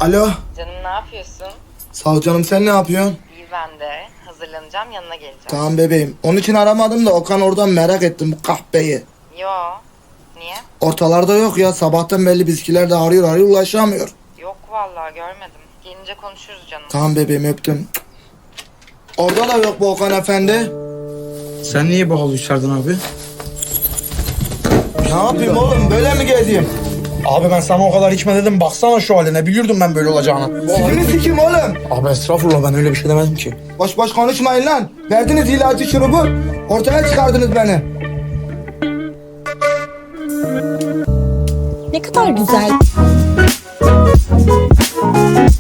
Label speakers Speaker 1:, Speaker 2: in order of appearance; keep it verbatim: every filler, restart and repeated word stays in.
Speaker 1: Alo.
Speaker 2: Canım ne yapıyorsun?
Speaker 1: Sağ ol canım, sen ne yapıyorsun?
Speaker 2: İyi ben de. Hazırlanacağım yanına geleceğim.
Speaker 1: Tamam bebeğim. Onun için aramadım da Okan oradan merak ettim bu kahpeyi.
Speaker 2: Yo. Niye?
Speaker 1: Ortalarda yok ya. Sabahtan belli bizkiler de arıyor arıyor ulaşamıyor.
Speaker 2: Yok vallahi görmedim. Gelince konuşuruz canım.
Speaker 1: Tamam bebeğim, öptüm. Orada da yok bu Okan efendi.
Speaker 3: Sen niye bu halı içerdin abi?
Speaker 1: Ne yapayım oğlum, böyle mi gezeyim?
Speaker 3: Abi ben sana o kadar içme dedim. Baksana şu haline. Biliyordum ben böyle olacağını.
Speaker 1: Sikini sikim oğlum.
Speaker 3: Abi estağfurullah, ben öyle bir şey demedim ki.
Speaker 1: Boş boş konuşmayın lan. Verdiniz ilacı şurubu. Ortaya çıkardınız beni.
Speaker 4: Ne kadar güzel.